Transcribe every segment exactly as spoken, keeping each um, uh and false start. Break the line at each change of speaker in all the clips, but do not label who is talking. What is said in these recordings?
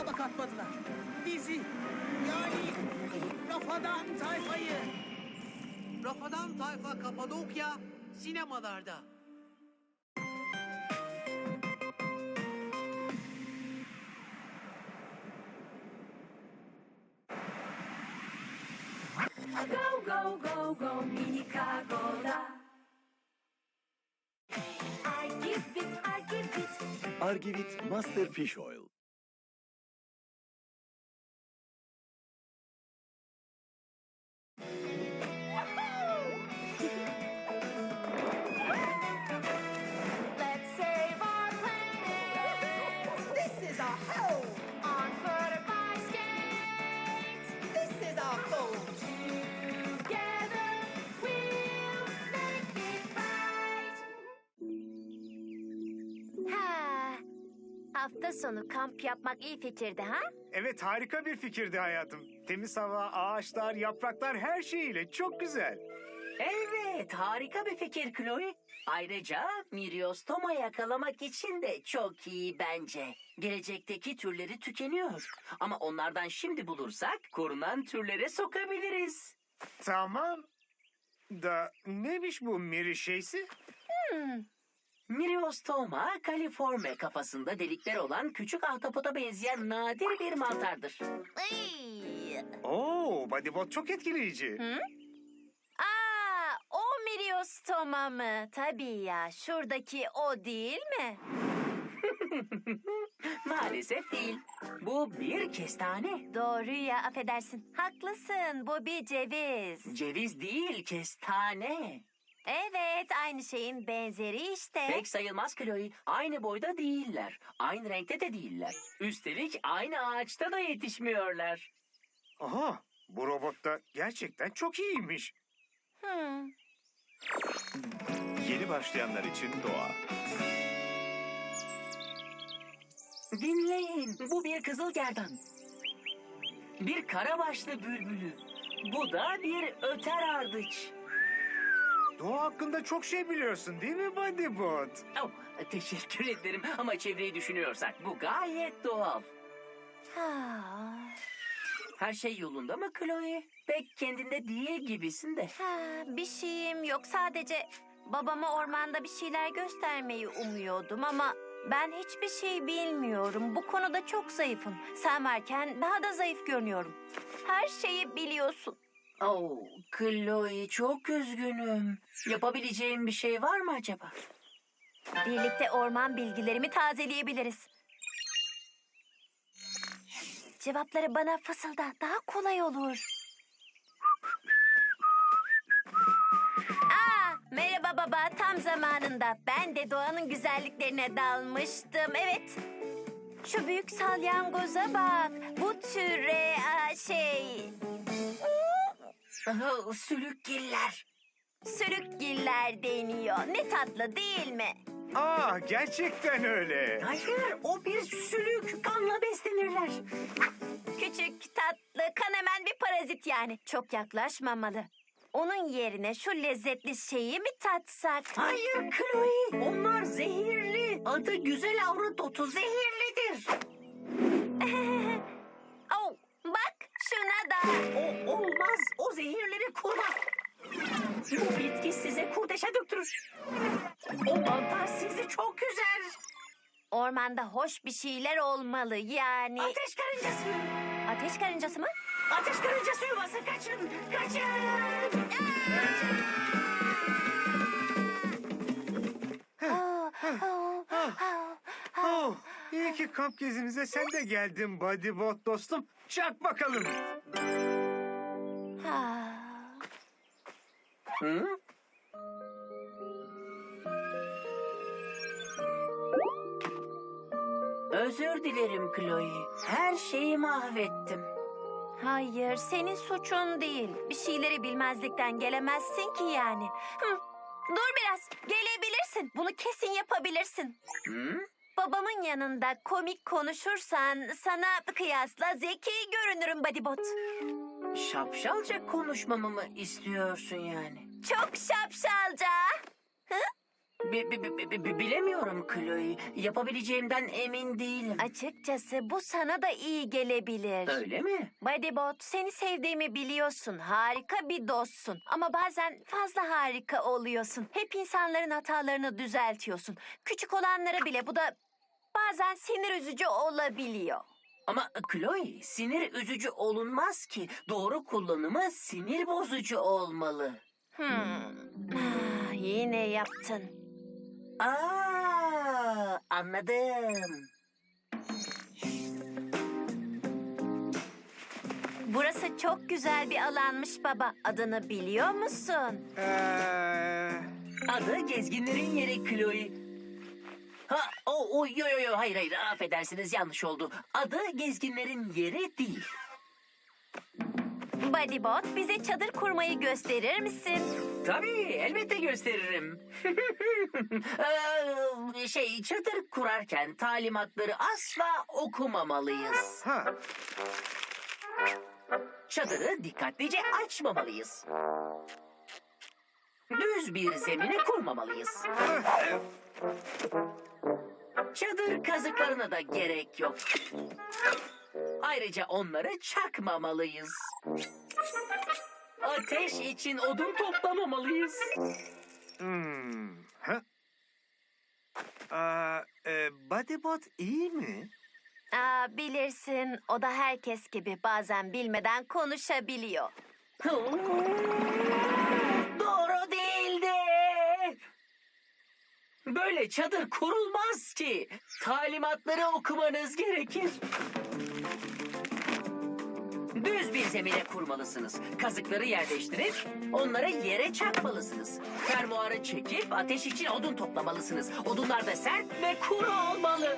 yola katmadılar. Bizi, yani Rafadan Tayfa'yı.
Rafadan Tayfa Kapadokya sinemalarda.
Go go go go Minikago'da. I give it, I give it.
Argivit Master Fish Oil.
Let's save our planet.
This is our home.
On foot or by skate.
This is our home.
Together we'll make it right.
Ha, hafta sonu kamp yapmak iyi fikirdi ha?
Evet, harika bir fikirdi hayatım. Temiz hava, ağaçlar, yapraklar her şeyiyle çok güzel.
Evet, harika bir fikir Chloe. Ayrıca Myriostoma yakalamak için de çok iyi bence. Gelecekteki türleri tükeniyor. Ama onlardan şimdi bulursak korunan türlere sokabiliriz.
Tamam. Da neymiş bu Miri şeysi?
Myriostoma califorme kafasında delikler olan küçük ahtapota benzeyen nadir bir mantardır.
Iy.
Oo, Bodybot çok etkileyici.
Aa, o Myriostoma mı? Tabii ya, şuradaki o değil mi?
Maalesef değil. Bu bir kestane.
Doğru ya, affedersin. Haklısın, bu bir ceviz.
Ceviz değil, kestane.
Evet, aynı şeyin benzeri işte.
Pek sayılmaz Chloe. Aynı boyda değiller. Aynı renkte de değiller. Üstelik aynı ağaçta da yetişmiyorlar.
Aha, bu robot da gerçekten çok iyiymiş.
Hmm.
Yeni başlayanlar için doğa.
Dinleyin. Bu bir kızılgerdan. Bir karabaşlı bülbülü. Bu da bir öter ardıç.
Doğa hakkında çok şey biliyorsun değil mi Bodybot?
Oh, teşekkür ederim ama çevreyi düşünüyorsak bu gayet doğal.
Ha.
Her şey yolunda mı Chloe? Pek kendinde değil gibisin de.
Ha, bir şeyim yok. Sadece babama ormanda bir şeyler göstermeyi umuyordum ama ben hiçbir şey bilmiyorum. Bu konuda çok zayıfım. Sen varken daha da zayıf görünüyorum. Her şeyi biliyorsun.
Oh, Chloe çok üzgünüm. Yapabileceğim bir şey var mı acaba?
Birlikte orman bilgilerimi tazeleyebiliriz. Cevapları bana fısılda. Daha kolay olur. Aa, merhaba baba. Tam zamanında. Ben de doğanın güzelliklerine dalmıştım. Evet. Şu büyük salyangoza bak. Bu türe aa, şey...
Aha, sülükgiller.
Sürükgiller deniyor. Ne tatlı değil mi?
Aa, gerçekten öyle.
Hayır, o bir sülük. Kanla beslenirler.
Küçük, tatlı, kanemen bir parazit yani. Çok yaklaşmamalı. Onun yerine şu lezzetli şeyi mi tatsak?
Hayır Chloe, onlar zehirli. Adı güzel avrodotu zehirlidir.
Oh, bak şuna da.
O olmaz, o zehirleri kurma. Bu bitki size kurdeşe döktürür. O mantar sizi çok üzer.
Ormanda hoş bir şeyler olmalı yani.
Ateş karıncası.
Ateş karıncası mı?
Ateş karıncası yuvası kaçın, kaçın.
Oh, oh, oh, oh.
Oh, iyi ki kamp gezimize sen de geldin Bodybot dostum. Çak bakalım.
Ah.
Hı? Özür dilerim Chloe. Her şeyi mahvettim.
Hayır, senin suçun değil. Bir şeyleri bilmezlikten gelemezsin ki yani. Hı, dur biraz, gelebilirsin. Bunu kesin yapabilirsin.
Hı?
Babamın yanında komik konuşursan sana kıyasla zeki görünürüm Bodybot.
Şapşalca konuşmamı mı istiyorsun yani?
Çok şapşalca. Hı?
Bi- bi- bi- bi- bi- bilemiyorum Chloe. Yapabileceğimden emin değilim.
Açıkçası bu sana da iyi gelebilir.
Öyle mi?
Bodybot, seni sevdiğimi biliyorsun. Harika bir dostsun. Ama bazen fazla harika oluyorsun. Hep insanların hatalarını düzeltiyorsun. Küçük olanlara bile, bu da bazen sinir üzücü olabiliyor.
Ama Chloe, sinir üzücü olunmaz ki. Doğru kullanımı sinir bozucu olmalı.
Hmm. Ah, yine yaptın.
Aa, anladım.
Burası çok güzel bir alanmış baba. Adını biliyor musun?
Ee,
Adı gezginlerin yeri Chloe. Ha, o, o, yo, yo, yo, hayır, hayır, affedersiniz, yanlış oldu. Adı gezginlerin yeri değil.
Bodybot, bize çadır kurmayı gösterir misin?
Tabii, elbette gösteririm. Ee, şey, çadır kurarken talimatları asla okumamalıyız.
ha.
Çadırı dikkatlice açmamalıyız. Düz bir zemine kurmamalıyız. Çadır kazıklarına da gerek yok. Ayrıca onları çakmamalıyız. Ateş için odun toplamamalıyız.
Hmm. Ha? Aa, e, Bodybot iyi mi?
Aa, bilirsin, o da herkes gibi bazen bilmeden konuşabiliyor.
Doğru değildi. Böyle çadır kurulmaz ki. Talimatları okumanız gerekir. Düz bir zemine kurmalısınız. Kazıkları yerleştirip onları yere çakmalısınız. Fermuarı çekip ateş için odun toplamalısınız. Odunlar da sert ve kuru olmalı.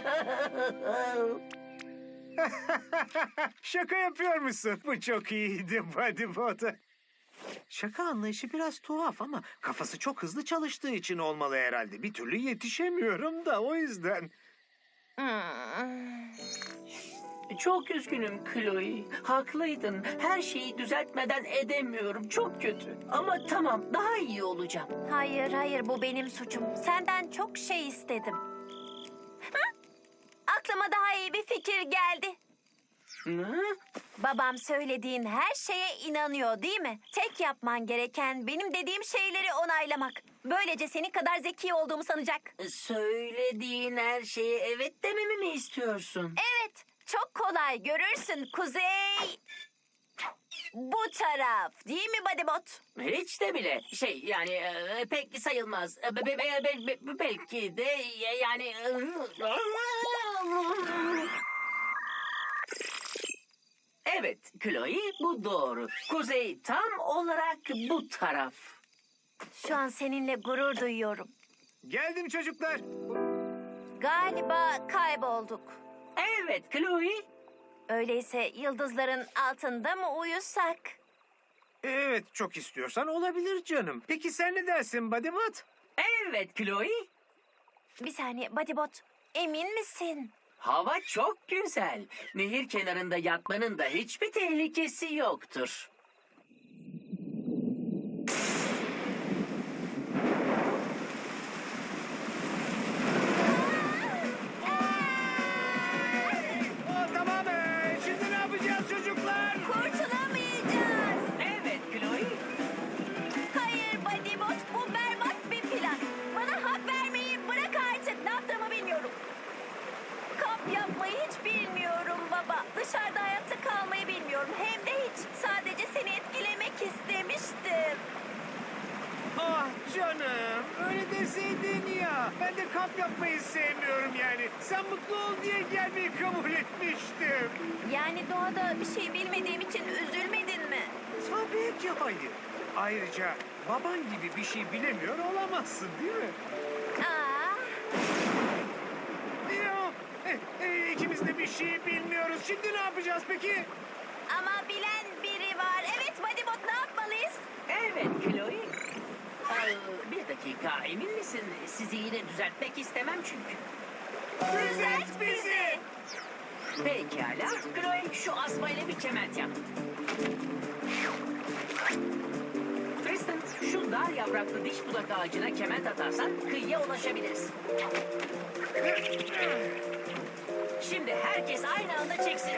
Şaka yapıyormuşsun. Bu çok iyiydi Bodybot. Şaka anlayışı biraz tuhaf ama kafası çok hızlı çalıştığı için olmalı herhalde. Bir türlü yetişemiyorum da o yüzden.
Hmm.
Çok üzgünüm Chloe. Haklıydın. Her şeyi düzeltmeden edemiyorum. Çok kötü. Ama tamam, daha iyi olacağım.
Hayır, hayır, bu benim suçum. Senden çok şey istedim. Hı? Aklıma daha iyi bir fikir geldi.
Hı?
Babam söylediğin her şeye inanıyor, değil mi? Tek yapman gereken benim dediğim şeyleri onaylamak. Böylece senin kadar zeki olduğumu sanacak.
Söylediğin her şeye evet dememi mi istiyorsun?
Evet, çok kolay, görürsün. Kuzey... Bu taraf, değil mi Bodybot?
Hiç de bile. Şey, yani e, pek sayılmaz. E, be- be- be- be- be- belki de e, yani... e, Evet Chloe, bu doğru. Kuzey tam olarak bu taraf.
Şu an seninle gurur duyuyorum.
Geldim çocuklar.
Galiba kaybolduk.
Evet Chloe.
Öyleyse yıldızların altında mı uyusak?
Evet, çok istiyorsan olabilir canım. Peki sen ne dersin Bodybot?
Evet Chloe.
Bir saniye Bodybot, emin misin?
Hava çok güzel. Nehir kenarında yatmanın da hiçbir tehlikesi yoktur.
Aa, tamam. ee, Şimdi ne yapacağız çocuklar?
Kurtulamayacağız.
Evet Chloe.
Hayır Bodybot, bu berbat bir plan. Bana hak vermeyi bırak artık. Ne yaptığımı bilmiyorum. Kamp yapmayı hiç bilmiyorum baba. Dışarıda hayatta kalmayı bilmiyorum. Hem de hiç. Sadece seni etkilemek istemiştim.
Ah canım, öyle deseydin ya. Ben de kamp yapmayı sevmiyorum yani. Sen mutlu ol diye gelmeyi kabul etmiştim.
Yani doğada bir şey bilmediğim için üzülmedin mi?
Tabii ki hayır. Ayrıca baban gibi bir şey bilemiyor olamazsın değil mi?
Aa,
Yok, e, e, ikimiz de bir şey bilmiyoruz. Şimdi ne yapacağız peki?
ama bilen biri var. Evet Bodybot, ne yapmalıyız?
Evet Chloe. Ee, bir dakika, emin misin? Sizi yine düzeltmek istemem çünkü.
Düzelt bizi.
Pekala. Chloe, şu asmayla bir kement yap. Tristan, şunda dar yapraklı diş budak ağacına kement atarsan kıyıya ulaşabiliriz. Şimdi herkes aynı anda çeksin.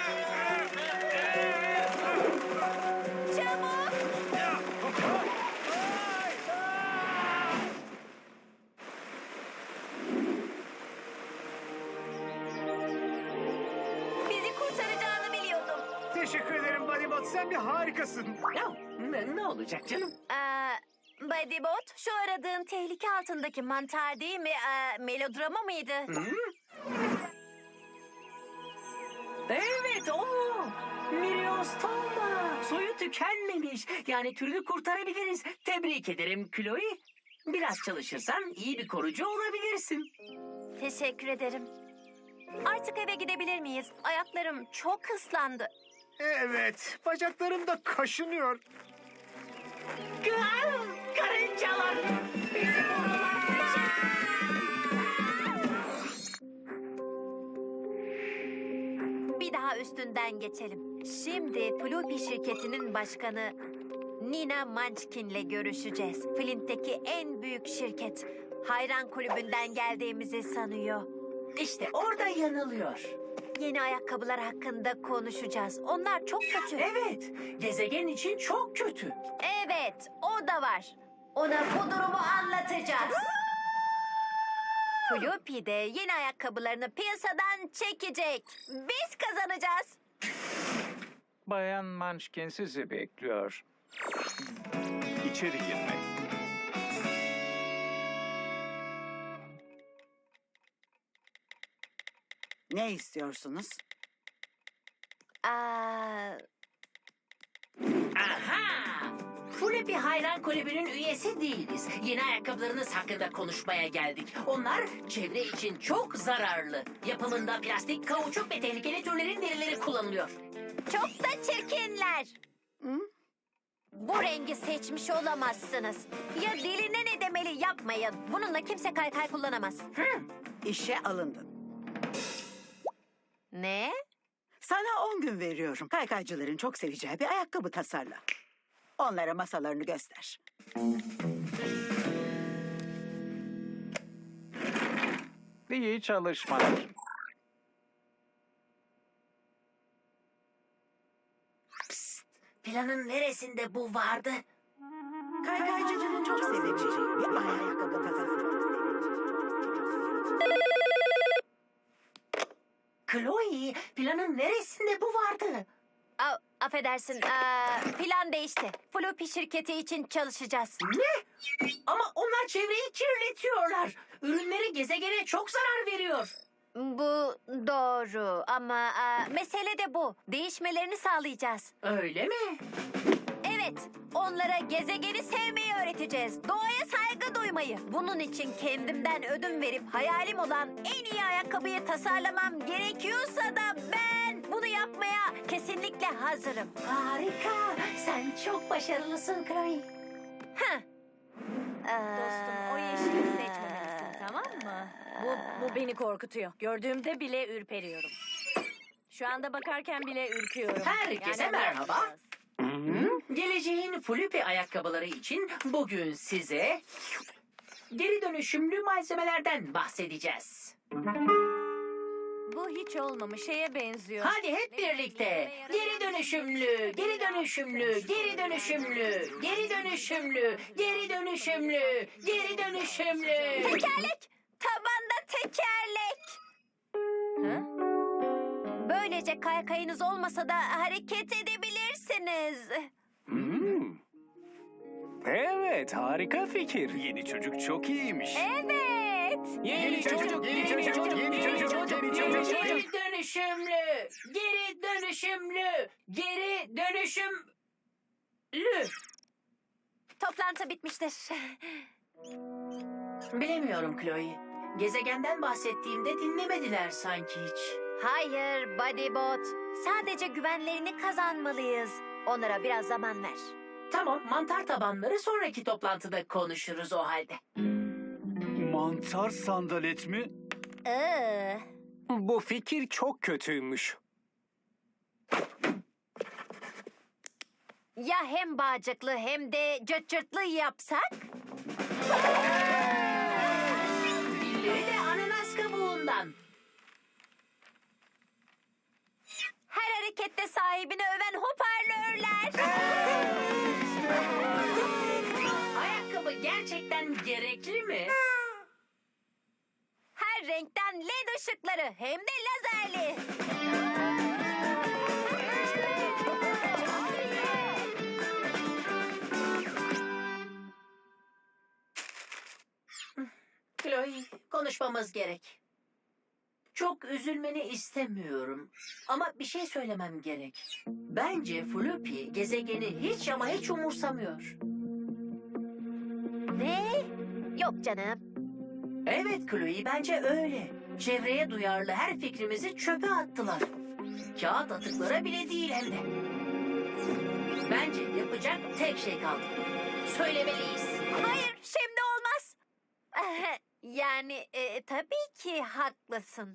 Çabuk! Bizi kurtaracağını biliyordum.
Teşekkür ederim Bodybot. Sen bir harikasın.
Ya, ne, ne olacak canım?
Ee, Bodybot, şu aradığın tehlike altındaki mantar değil mi? Ee, melodrama mıydı?
Evet o. Miriostoma. Soyu tükenmemiş. Yani türünü kurtarabiliriz. Tebrik ederim Chloe. Biraz çalışırsan iyi bir korucu olabilirsin.
Teşekkür ederim. Artık eve gidebilir miyiz? Ayaklarım çok ıslandı.
Evet, bacaklarım da kaşınıyor.
Gıal, karıncalar. Bizi vururlar.
Bir daha üstünden geçelim. Şimdi Floppy şirketinin başkanı Nina Munchkin'le görüşeceğiz. Flint'teki en büyük şirket. Hayran kulübünden geldiğimizi sanıyor.
İşte orada yanılıyor.
Yeni ayakkabılar hakkında konuşacağız. Onlar çok kötü.
Evet, gezegen için çok kötü.
Evet, o da var. Ona bu durumu anlatacağız. Floppy de yeni ayakkabılarını piyasadan çekecek. Biz kazanacağız.
Bayan Munchkin sizi bekliyor.
İçeri girmek.
Ne istiyorsunuz?
Aa,
Aha! Floppy Hayran Kulübü'nün üyesi değiliz. Yeni ayakkabılarınız hakkında konuşmaya geldik. Onlar çevre için çok zararlı. Yapımında plastik, kauçuk ve tehlikeli türlerin derileri kullanılıyor.
çok da çirkinler. Bu rengi seçmiş olamazsınız. Ya diline ne demeli yapmayın. Bununla kimse kaykay kullanamaz.
İşe alındın.
Ne?
Sana on gün veriyorum. Kaykaycıların çok seveceği bir ayakkabı tasarla. Onlara masalarını göster.
İyi çalışmalar.
Planın neresinde bu vardı?
Kaykaycıların çok seveceği bir ayakkabı tasarla.
Chloe, planın neresinde bu vardı?
A- affedersin. Aa, plan değişti. Floppy şirketi için çalışacağız.
Ne? Ama onlar çevreyi kirletiyorlar. Ürünleri gezegene çok zarar veriyor.
Bu doğru ama aa, mesele de bu. Değişmelerini sağlayacağız.
Öyle mi?
Evet, onlara gezegeni sevmeyi öğreteceğiz. Doğaya saygı duymayı. Bunun için kendimden ödün verip hayalim olan en iyi ayakkabıyı tasarlamam gerekiyorsa da ben bunu yapmaya kesinlikle hazırım.
Harika. Sen çok başarılısın Chloe.
Heh.
Dostum o yeşili seçmemelisin, tamam mı? Bu, bu beni korkutuyor. Gördüğümde bile ürperiyorum. Şu anda bakarken bile ürküyorum.
Herkese
Yani-
merhaba. Geleceğin Floppy ayakkabıları için bugün size geri dönüşümlü malzemelerden bahsedeceğiz.
Bu hiç olmamış şeye benziyor.
Hadi hep birlikte. Geri dönüşümlü, geri dönüşümlü, geri dönüşümlü, geri dönüşümlü, geri dönüşümlü, geri dönüşümlü.
Tekerlek! Tabanda tekerlek!
Hı?
Böylece kaykayınız olmasa da hareket edebilirsiniz.
Evet, harika fikir.
Yeni çocuk çok iyiymiş.
Evet!
Yeni çocuk, yeni çocuk, yeni çocuk, yeni çocuk.
Geri dönüşümlü, geri dönüşümlü, geri dönüşümlü.
Toplantı bitmiştir.
Bilemiyorum Chloe. Gezegenden bahsettiğimde dinlemediler sanki hiç.
Hayır Bodybot. Sadece güvenlerini kazanmalıyız. Onlara biraz zaman ver.
Tamam, mantar tabanları sonraki toplantıda konuşuruz o halde.
Mantar sandalet mi?
Ee,
Bu fikir çok kötüymüş.
Ya hem bağcıklı hem de cırt cırtlı yapsak?
Dilleri de ananas kabuğundan.
Her harekette sahibini öven hoparlörler.
Ayakkabı gerçekten gerekli mi?
Her renkten led ışıkları hem de lazerli.
Chloe, konuşmamız gerek. Çok üzülmeni istemiyorum. Ama bir şey söylemem gerek. Bence Floppy gezegeni hiç ama hiç umursamıyor.
Ne? Yok canım.
Evet Chloe, bence öyle. Çevreye duyarlı her fikrimizi çöpe attılar. Kağıt atıklara bile değil hem de. Bence yapacak tek şey kaldı. Söylemeliyiz.
Hayır, şimdi olmaz. Yani e, tabii ki haklısın.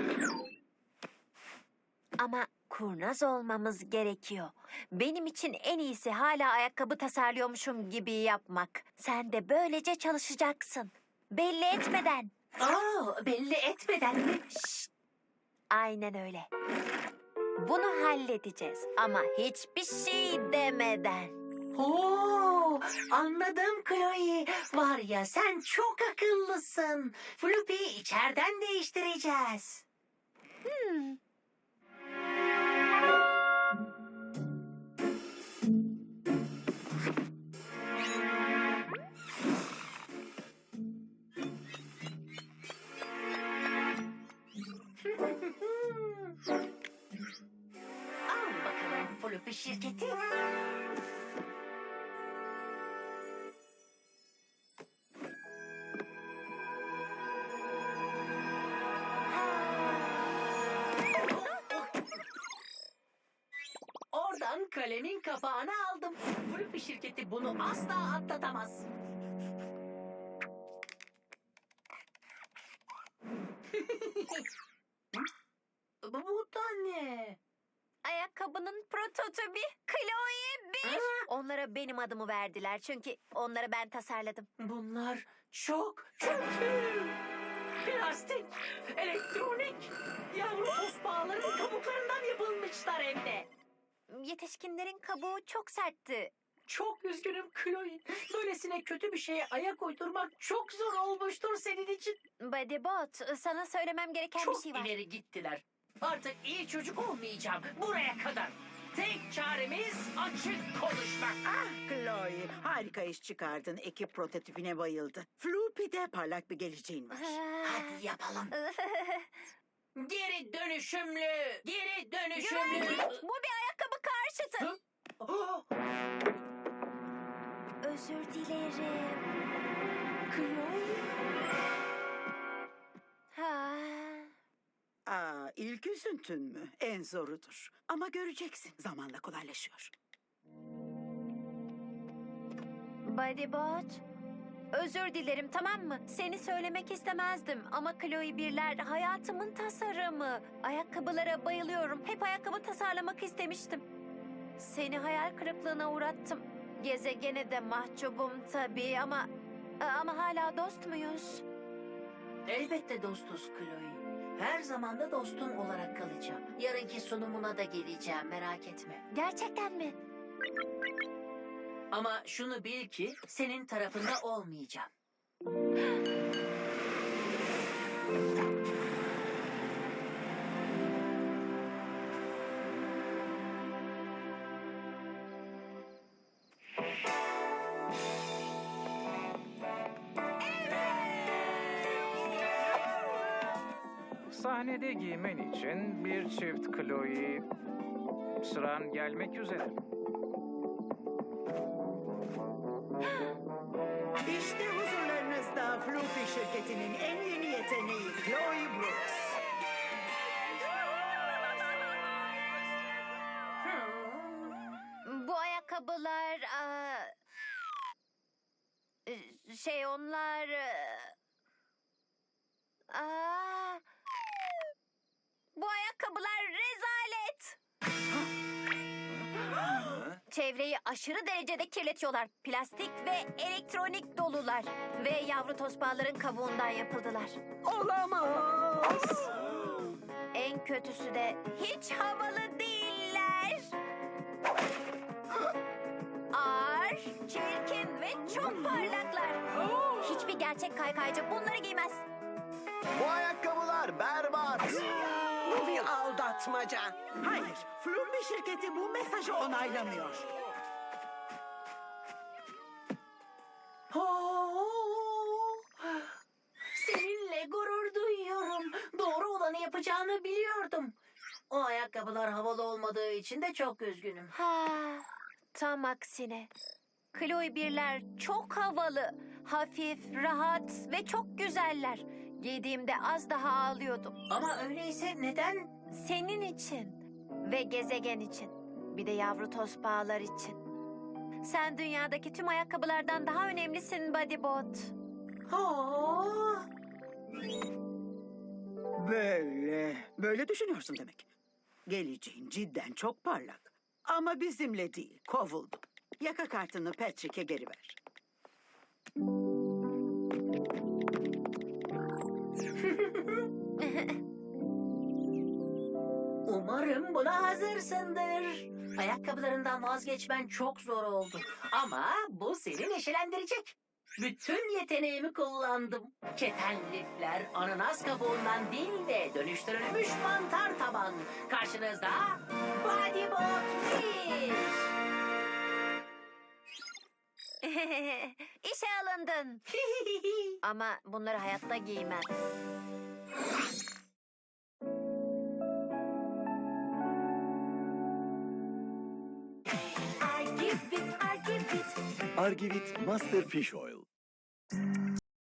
Ama kurnaz olmamız gerekiyor. Benim için en iyisi hala ayakkabı tasarlıyormuşum gibi yapmak. Sen de böylece çalışacaksın. Belli etmeden.
Aa, belli etmeden mi?
Şşt. Aynen öyle. Bunu halledeceğiz ama hiçbir şey demeden.
Oo, anladım Chloe. Var ya sen çok akıllısın. Floppy'yi içeriden değiştireceğiz.
Hmm.
Al bakalım Floppy şirketi. Oradan kalemin kapağını aldım. Floppy şirketi bunu asla atlatamaz. Bu, bu da ne?
Ayakkabının prototipi Chloe bir. Onlara benim adımı verdiler çünkü onları ben tasarladım.
Bunlar çok kötü. Plastik, elektronik, yavru tospağların kabuklarından yapılmışlar hem de.
Yetişkinlerin kabuğu çok sertti.
Çok üzgünüm Chloe. Böylesine kötü bir şeye ayak uydurmak çok zor olmuştur senin için.
Bodybot, sana söylemem gereken
Çok
bir şey var.
ileri gittiler. Artık iyi çocuk olmayacağım. Buraya kadar. Tek çaremiz açık konuşmak.
Ah Chloe, harika iş çıkardın. Ekip prototipine bayıldı. Floopy'de parlak bir geleceğin var.
Hadi yapalım. Geri dönüşümlü. Geri dönüşümlü.
Güvenlik, bu bir ayakkabı karşıtı.
Hı? Oh,
Özür dilerim.
Chloe.
Ha.
Aa, ilk üzüntün mü? En zorudur. Ama göreceksin. Zamanla kolaylaşıyor.
Bodybot, özür dilerim, tamam mı? Seni söylemek istemezdim ama Chloe birler hayatımın tasarımı. Ayakkabılara bayılıyorum. Hep ayakkabı tasarlamak istemiştim. Seni hayal kırıklığına uğrattım. Gezegene de mahcubum tabii ama... Ama hala dost muyuz?
Elbette dostuz Chloe. Her zaman da dostun olarak kalacağım. Yarınki sunumuna da geleceğim, merak etme.
Gerçekten mi?
Ama şunu bil ki senin tarafında olmayacağım.
Sahnede giymen için bir çift Chloe. Sıran gelmek üzere.
İşte huzurlarınızda Floopy şirketinin en yeni yeteneği Chloe Brooks.
Bu ayakkabılar... aa, şey onlar... Aa, bu ayakkabılar rezalet. Çevreyi aşırı derecede kirletiyorlar. Plastik ve elektronik dolular. Ve yavru tospağların kabuğundan yapıldılar.
Olamaz.
En kötüsü de hiç havalı değiller. Ağır, çirkin ve çok parlaklar. Hiçbir gerçek kaykaycı bunları giymez.
Bu ayakkabılar berbat.
Bu bir aldatmaca.
Hayır, Flumbi şirketi bu mesajı onaylamıyor.
Seninle gurur duyuyorum. Doğru olanı yapacağını biliyordum. O ayakkabılar havalı olmadığı için de çok üzgünüm.
Ha, tam aksine. Chloe birler çok havalı, hafif, rahat ve çok güzeller. Giydiğimde az daha ağlıyordum.
Ama öyleyse neden?
Senin için ve gezegen için. Bir de yavru tospağlar için. Sen dünyadaki tüm ayakkabılardan daha önemlisin Bodybot.
Oh.
Böyle, böyle düşünüyorsun demek. Geleceğin cidden çok parlak. Ama bizimle değil, kovuldu. Yaka kartını Patrick'e geri ver.
Umarım buna hazırsındır. Ayakkabılarından vazgeçmen çok zor oldu. Ama bu seni neşelendirecek. Bütün yeteneğimi kullandım. Keten lifler, ananas kabuğundan değil de dönüştürülmüş mantar taban. Karşınızda Bodybot bir.
İşe alındın. Ama bunları hayatta giymem.
I give it, I give it.
Argivit Master Fish Oil.